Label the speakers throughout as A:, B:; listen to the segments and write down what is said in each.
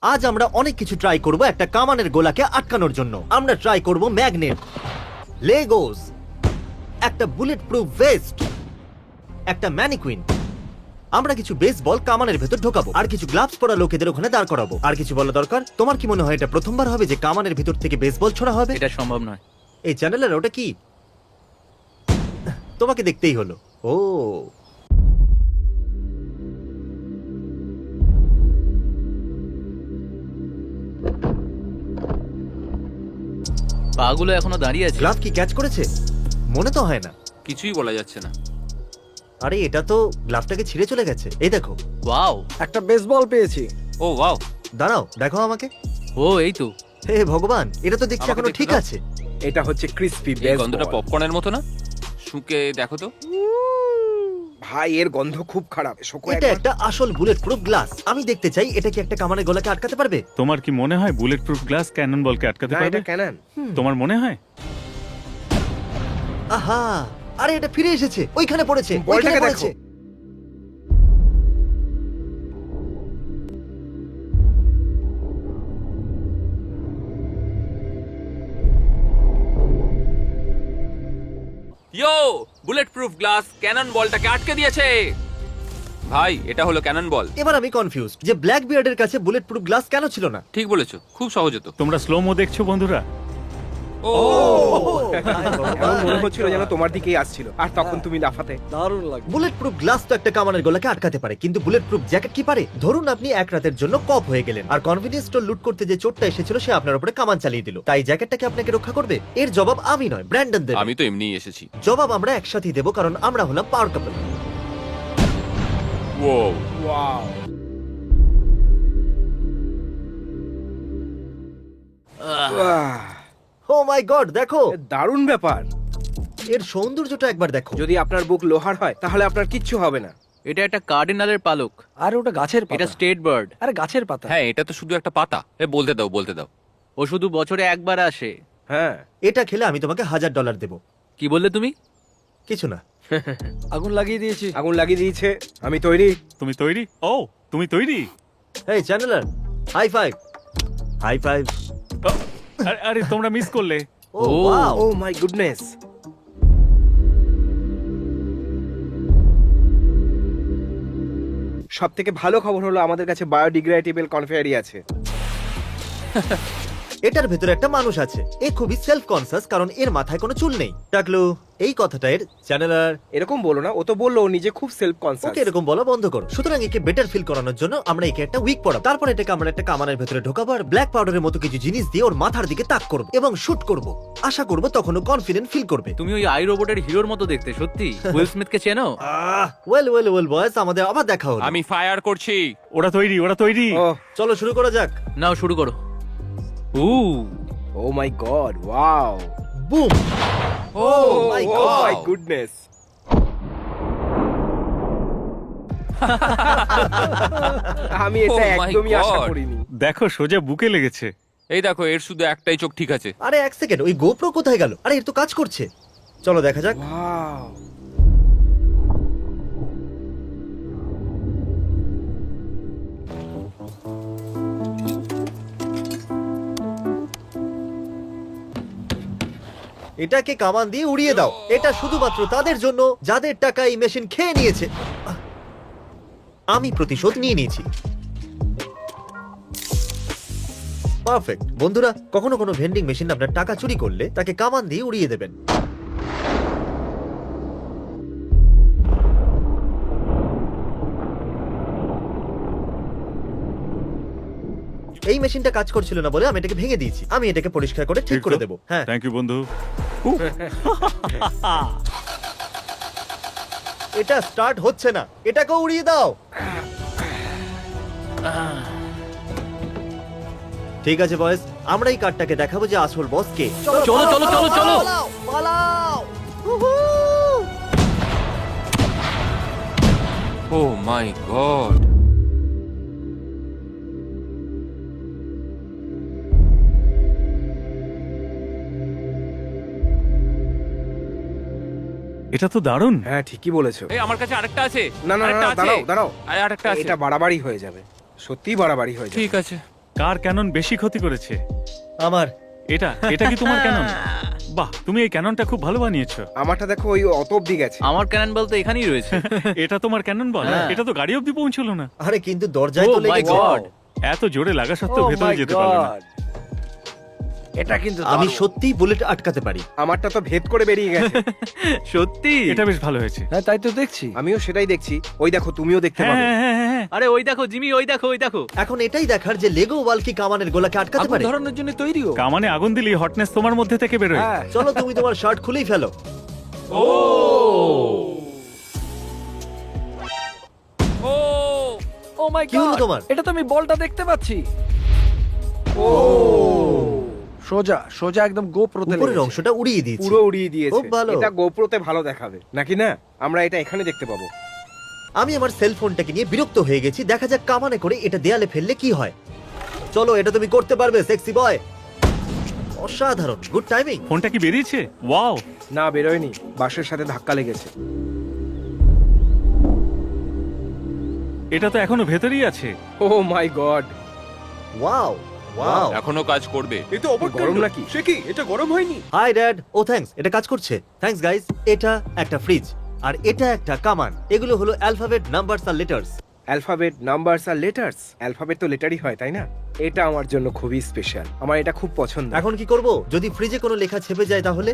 A: আজ আমরা অনেক কিছু ট্রাই করব একটা কামানের গোলাকে আটকানোর জন্য। আমরা ট্রাই করব ম্যাগনেট, লেগোস, একটা বুলেট প্রুফ ভেস্ট, একটা ম্যানিকুইন। আমরা কিছু বেসবল কামানের ভেতর ঢোকাবো, আর কিছু গ্লাভস পরা লোকেদের ওখানে দাঁড় করাবো। আর কিছু বলা দরকার? তোমার কি মনে হয় এটা প্রথমবার হবে যে কামানের ভেতর থেকে বেসবল ছোড়া হবে?
B: এটা সম্ভব নয়।
A: এই চ্যানেলের ওটা কি? তোমাকে দেখতেই হলো। ও
B: পাগুলো এখনো দাঁড়িয়ে আছে।
A: গ্লাভ কি ক্যাচ করেছে? মনে তো হয় না।
C: কিছুই বলা যাচ্ছে না।
A: আরে এটা তো গ্লাভটাকে ছিঁড়ে চলে গেছে। এই দেখো।
B: ওয়াও,
D: একটা বেসবল পেয়েছি।
C: ও ওয়াও,
A: দাঁড়াও, দেখো আমাকে।
B: ও এই তো।
A: হে ভগবান, এটা তো দেখছি
C: আমাকে
A: এখনো
C: দেখতে
A: ঠিক
C: দাও।
A: আছে।
D: এটা হচ্ছে ক্রিসপি
C: এই
D: বেসবল।
C: গন্ধটা পপকর্নের মতো না? শুকে দেখো তো।
D: ভাই এর গন্ধ খুব খারাপ। শোকো
A: এটা একটা আসল বুলেট প্রুফ গ্লাস। আমি দেখতে চাই এটা কি একটা কামানের গলাকে আটকাতে পারবে।
E: তোমার কি মনে হয় বুলেট প্রুফ গ্লাস ক্যানন বলকে আটকাতে
D: না,
E: পারবে?
D: এটা ক্যানন।
E: তোমার মনে হয়?
A: আহা, আরে এটা ফিরে এসেছে, ওইখানে পড়েছে, ওইখানে
D: বলটাকে
A: পড়েছে।
D: দেখো।
C: Yo, bulletproof glass cannon বলটাকে আটকে দিয়েছে। ভাই, এটা হলো ক্যানন বল।
A: এবার আমি কনফিউজ যে ব্ল্যাক বিয়ার্ডের কাছে বুলেট প্রুফ গ্লাস কেন ছিল না।
C: ঠিক বলেছো, খুব সহজ হতো।
E: তোমরা স্লো মো দেখছো বন্ধুরা?
C: ও
D: এমন মনে হচ্ছিল যেন তোমার দিকেই আসছিল, আর তখন তুমি লাফাতে।
F: দারুণ লাগে।
A: বুলেট প্রুফ গ্লাস তো একটা কামানের গলাকে আটকাতে পারে, কিন্তু বুলেট প্রুফ জ্যাকেট কি পারে? ধরুন আপনি এক রাতের জন্য কপ হয়ে গেলেন, আর কনভিনিয়েন্স স্টোর লুট করতে যে চোরটা এসেছিল সে আপনার উপরে কামান চালিয়ে দিল। তাই জ্যাকেটটাকে আপনাকে রক্ষা করবে? এর জবাব আমি নয়, ব্র্যান্ডন দেবে।
C: আমি তো এমনিই এসেছি।
A: জবাব আমরা একসাথেই দেবো, কারণ আমরা হলাম পাওয়ার কাপল।
C: ও
D: ওয়াও,
A: ও মাই গড, দেখো
D: দারুণ ব্যাপার।
A: এর সৌন্দর্যটা একবার দেখো।
D: যদি আপনার বুক লোহার হয় তাহলে আপনার কিচ্ছু হবে না।
B: এটা একটা কার্ডিনালের পালক।
F: আর ওটা গাছের
B: এটা
F: পাতা।
B: State bird.
F: আরে গাছের পাতা।
C: হ্যাঁ, এটা তো শুধু একটা পাতা। বলতে দাও, বলতে দাও।
B: ও শুধু বছরে একবার আসে।
D: হ্যাঁ,
A: এটা খেলে আমি তোমাকে $1000 দেবো।
B: কি বললে তুমি?
A: কিছু না।
F: আগুন লাগিয়ে দিয়েছি।
D: আগুন লাগিয়ে দিয়েছে। আমি তৈরি।
E: তুমি তৈরি? ও, তুমি তৈরি?
A: এই Chandler, high five. High five.
E: ও, আরে তোমরা মিস করলে।
A: Oh wow.
D: Oh my goodness. সব থেকে ভালো খবর হলো আমাদের কাছে বায়োডিগ্রেডেবল কনফেয়ারি আছে।
A: এটার ভেতরে একটা মানুষ আছে। এ খুবই সেলফ কনসিয়াস, কারণ এর মাথায় কোনো চুল নেই। টাকলু, এই কথাটা এর চ্যানেলার।
D: এরকম বলো না, ও তো বললো ও নিজে খুব সেলফ কনসিয়াস।
A: ওকে এরকম বলা বন্ধ করো। সুতরাং একে বেটার ফিল করানোর জন্য আমরা একে একটা উইক পড়াবো। তারপর এটাকে আমরা একটা কামানের ভেতরে ঢোকাবো, আর ব্ল্যাক পাউডারের মতো কিছু জিনিস দিয়ে ওর মাথার দিকে তাক করবো এবং শুট করব। আশা করবো তখন ও কনফিডেন্ট ফিল করবে।
B: তুমি ওই আই রোবটের হিরোর মতো দেখতে, সত্যি। উইল স্মিথকে চেনো?
A: ওয়েল ওয়েল ওয়েল বয়েস, আমাদের আবার দেখা হলো।
C: আমি ফায়ার করছি।
E: ওরা তৈরি, ওরা তৈরি।
D: ও
A: চলো শুরু করা যাক।
B: নাও শুরু করো।
D: Oh my God, wow.
A: Boom.
C: Oh
A: my
D: oh
A: God.
D: My goodness. আমি এটা
C: Oh my
D: একদমই আশা
C: God.
D: করিনি।
E: দেখো সোজা বুকে লেগেছে।
C: এই দেখো, এর শুধু একটাই চোখ ঠিক আছে।
A: আরে এক সেকেন্ড, ওই গোপ্রো কোথায় গেল? আরে এর তো কাজ করছে। চলো দেখা যাক।
D: ওয়াও,
A: এটাকে কামান দিয়ে উড়িয়ে দাও। এটা শুধুমাত্র তাদের জন্য যাদের টাকা এই মেশিন খেয়ে নিয়েছে। আমি প্রতিশোধ নিয়ে নিয়েছি। পারফেক্ট। বন্ধুরা, কখনো কোনো ভেন্ডিং মেশিন আপনার টাকা চুরি করলে তাকে কামান দিয়ে উড়িয়ে দেবেন। এই মেশিনটা কাজ করছিল না বলে আমি এটাকে ভেঙে দিয়েছি। আমি এটাকে পরিষ্কার করে ঠিক করে দেবো। হ্যাঁ,
E: থ্যাংক ইউ বন্ধু।
A: এটা স্টার্ট হচ্ছে না। এটাকে উড়িয়ে দাও। ঠিক আছে বয়েস, আমরা এই কার্ডটাকে দেখাবো যে আসল বস কে।
B: চলো, চলো, চলো, চলো।
A: পালাও, পালাও। উহু।
C: Oh my God.
E: এটা তো দারুণ।
D: হ্যাঁ ঠিকই বলেছো।
C: এই আমার কাছে আরেকটা আছে।
D: না না না,
C: আরেকটা
D: না,
C: আছে।
D: দাঁড়াও দাঁড়াও।
C: আরেকটা আছে।
D: এটা বাড়াবাড়ি হয়ে যাবে, সত্যিই বাড়াবাড়ি হয়ে যাবে।
C: ঠিক আছে।
E: কার ক্যানন বেশি ক্ষতি করেছে?
A: আমার
E: এটা এটা কি তোমার ক্যানন? বাহ, তুমি এই ক্যাননটা খুব ভালো বানিয়েছো।
D: আমারটা দেখো ওই অত অব্দি গেছে।
B: আমার ক্যানন বল তো এখানেই রয়েছে।
E: এটা তোমার ক্যানন বল?
B: হ্যাঁ।
E: এটা তো গাড়ি অব্দি পৌঁছলো না।
A: আরে কিন্তু দরজায় তো
B: Oh my
A: লেগেছে।
B: God!
E: এত জোরে লাগা সত্ত্বেও
F: Oh
E: ভেতরে
F: my
E: যেতে পারলো না।
F: God! এটা কিন্তু
A: আমি
F: দারুণ।
A: সত্যিই বুলেট আটকাতে পারি।
D: আমারটা তো ভেদ করে বেরিয়ে গেছে।
B: সত্যি?
E: এটা বেশ ভালো হয়েছে।
F: হ্যাঁ তাই তো দেখছি।
D: আমিও সেটাই দেখছি। ওই দেখো, তুমিও দেখতে
E: হ্যাঁ
D: পাবে।
E: হ্যাঁ হ্যাঁ হ্যাঁ, হ্যাঁ।
B: আরে ওই দেখো জিমি, ওই দেখো, ওই দেখো।
A: এখন এটাই দেখার যে লেগো ওয়াল কি কামানের গোলাকে আটকাতে
F: আগুন
A: পারে।
F: ধরানোর জন্য তৈরিও।
E: কামানে আগুন দিলেই হটনেস তোমার মধ্যে থেকে বেরোয়।
F: হ্যাঁ।
A: চলো তুমি তোমার শার্ট খুলেই ফেলো।
F: ও মাই
A: কি হলো
F: গড!
A: তোমার?
F: এটা তো আমি বলটা দেখতে পাচ্ছি। ও সোজা সোজা একদম গোপ্রোতে
A: উপরের
F: লেগেছে।
A: অংশটা উড়িয়ে দিয়েছি।
D: পুরো উড়িয়ে দিয়েছে।
A: খুব ভালো।
D: এটা গোপ্রোতে ভালো দেখাবে নাকি না? আমরা এটা এখানে দেখতে পাবো।
A: আমি আমার সেলফোনটাকে নিয়ে বিরক্ত হয়ে গেছি। দেখা যাক কামানে করে এটা দেয়ালে ফেললে কি হয়। চলো, এটা তুমি করতে পারবে সেক্সি বয়। অসাধারণ, গুড টাইমিং।
E: ফোনটা কি বেরিয়েছে? ওয়াও!
D: না, বেরোয়নি। বাসের সাথে ধাক্কা লেগেছে।
E: এটা তো এখনো ভেতরেই আছে।
D: Oh my God!
A: Wow wow.
C: এখনো কাজ করবে।
D: এ তো গরম নাকি? সে কি? এটা গরম হয়নি?
A: High dad. ও থ্যাঙ্কস, এটা কাজ করছে। Thanks guys. এটা একটা ফ্রিজ আর এটা একটা কামান। এগুলো হলো অ্যালফাবেট, নাম্বারস আর লেটার্স।
D: অ্যালফাবেট, নাম্বারস আর লেটার্স। অ্যালফাবেট তো লেটারই হয়, তাই না? এটা আমার জন্য খুবই স্পেশাল। আমার এটা খুব পছন্দ।
A: এখন কি করব? যদি ফ্রিজে কোনো লেখা ছেপে যায় তাহলে?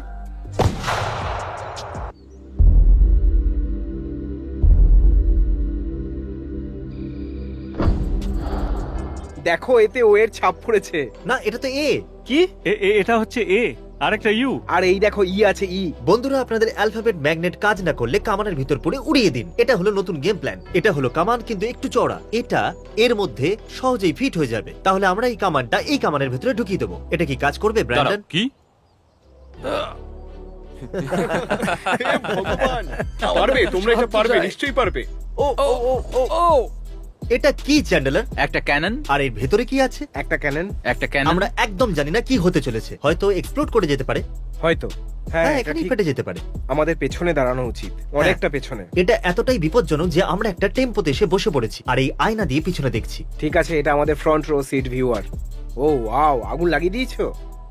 D: দেখো, এতে ও এর ছাপ পড়েছে।
A: না, এটা তো এ।
D: কি?
E: এটা হচ্ছে এ আর একটা ইউ।
D: আর এই দেখো, ই আছে, ই।
A: বন্ধুরা, আপনাদের অ্যালফাবেট ম্যাগনেট কাজ না করলে কামানের ভিতর পড়ে উড়িয়ে দিন। এটা হলো নতুন গেম প্ল্যান। এটা হলো কামান কিন্তু একটু চওড়া। এটা এর মধ্যে সহজেই ফিট হয়ে যাবে। তাহলে আমরা এই কামানটা এই কামানের ভিতরে ঢুকিয়ে দেবো। এটা কি কাজ করবে ব্র্যান্ডন?
C: কি?
D: ভগবান! পারবে, তোমরা এটা পারবে, নিশ্চয়ই পারবে।
F: ও ও ও ও ও
A: এটা কি চ্যান্ডেলার?
B: একটা ক্যানন,
A: আর এর ভেতরে কি আছে?
D: একটা ক্যানন।
B: একটা ক্যানন।
A: আমরা একদম জানি না কি হতে চলেছে। হয়তো এক্সপ্লোড করে যেতে পারে।
D: হয়তো। হ্যাঁ,
A: হ্যাঁ,
D: এটা
A: এখানেই
D: ঠিক।
A: ফেটে যেতে পারে।
D: আমাদের পেছনে দাঁড়ানো উচিত, অনেকটা পেছনে।
A: এটা এতটাই বিপজ্জনক যে আমরা একটা টেম্পোতে এসে বসে পড়েছি আর এই আয়না দিয়ে পিছনে দেখছি।
D: ঠিক আছে, এটা আমাদের front row seat viewer. Oh wow, আগুন লাগিয়ে দিয়েছো?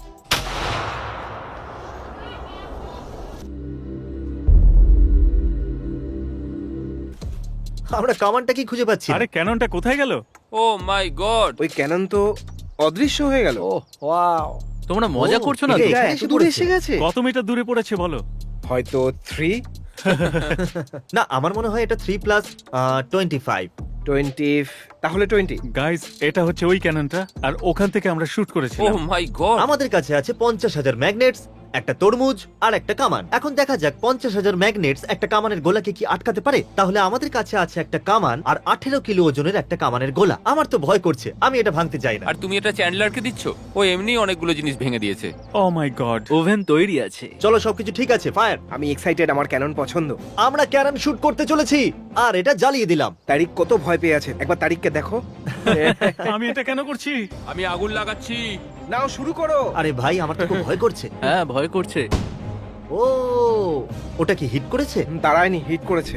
A: আমরা কামানটা কি খুঁজে পাচ্ছি না।
E: আরে ক্যাননটা কোথায় গেল?
C: ও মাই গড!
D: ওই ক্যানন তো অদৃশ্য হয়ে গেল।
F: Oh wow!
B: তোমরা মজা
A: ও,
B: করছো না
A: এটা
B: তো?
A: এখানে
D: এত
A: এসে
D: দূরে
A: পড়েছে।
D: এসে গেছে।
E: কত মিটার দূরে পড়েছে বলো?
D: হয়তো 3,
A: না, আমার মনে হয় এটা 3+25।
D: 20, তাহলে 20।
E: গাইস, এটা হচ্ছে ওই ক্যাননটা আর ওখান থেকে আমরা শুট
C: ও
E: করেছিলাম।
C: My God!
A: আমাদের কাছে আছে 50,000 ম্যাগনেটস, একটা তরমুজ আর একটা কামান। এখন দেখা যাক 50,000 ম্যাগনেটস একটা কামানের গোলাকে কি আটকাতে পারে। তাহলে আমাদের কাছে আছে একটা কামান আর 18 কিলো ওজনের একটা কামানের গোলা। আমার তো ভয় করছে, আমি এটা ভাঙতে চাই না।
C: আর তুমি এটা চ্যান্ডলারকে দিচ্ছ? ও এমনি অনেকগুলো জিনিস ভেঙে দিয়েছে।
E: ও মাই গড!
B: ওভেন তৈরি আছে।
A: চলো, সবকিছু ঠিক আছে। ফায়ার।
D: আমি এক্সাইটেড, আমার ক্যানন পছন্দ।
A: আমরা ক্যানন শুট করতে চলেছি আর এটা জ্বালিয়ে দিলাম।
D: তারিক কত ভয় পেয়ে আছে, একবার তারিককে দেখো।
E: আমি এটা কেন করছি?
C: আমি আগুন লাগাচ্ছি।
D: নাও, শুরু করো।
A: আরে ভাই, আমার তো খুব ভয় করছে।
B: হ্যাঁ, ভয় করছে।
A: ও, ওটা কি হিট করেছে?
D: দাঁড়ায়নি, হিট করেছে।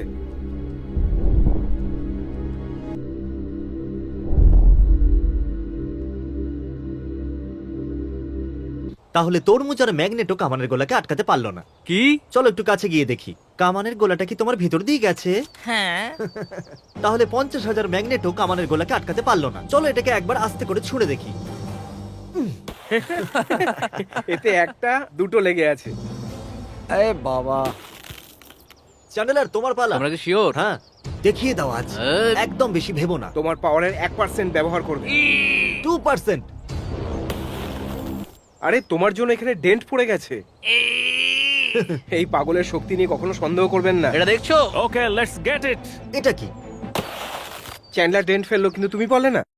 A: তাহলে তরমুজ আর ম্যাগনেটও কামানের গোলাকে আটকাতে পারলো না।
B: কি?
A: চলো একটু কাছে গিয়ে দেখি। কামানের গোলাটা কি তোমার ভিতর দিয়ে গেছে?
B: হ্যাঁ।
A: তাহলে 50,000 ম্যাগনেটও কামানের গোলাকে আটকাতে পারলো না। চলো এটাকে একবার আস্তে করে ছুঁড়ে দেখি।
D: এতে একটা দুটো লেগে আছে।
F: এ বাবা!
A: চ্যান্ডেলার, তোমার পালা।
B: তোমরা কি শিওর?
A: হ্যাঁ, দেখিয়ে দাও আজ। একদম বেশি ভেবো না।
D: তোমার পাওয়ারের 1% ব্যবহার করবে।
A: 2%।
D: আরে, তোমার জন্য এখানে ডেন্ট পড়ে গেছে। এই পাগলের শক্তি নিয়ে কখনো সন্দেহ করবেন না।
B: এটা দেখছো?
E: Okay, let's get it.
A: এটা কি?
D: চ্যান্ডলার ডেন্ট ফেললো, কিন্তু তুমি পারলে না।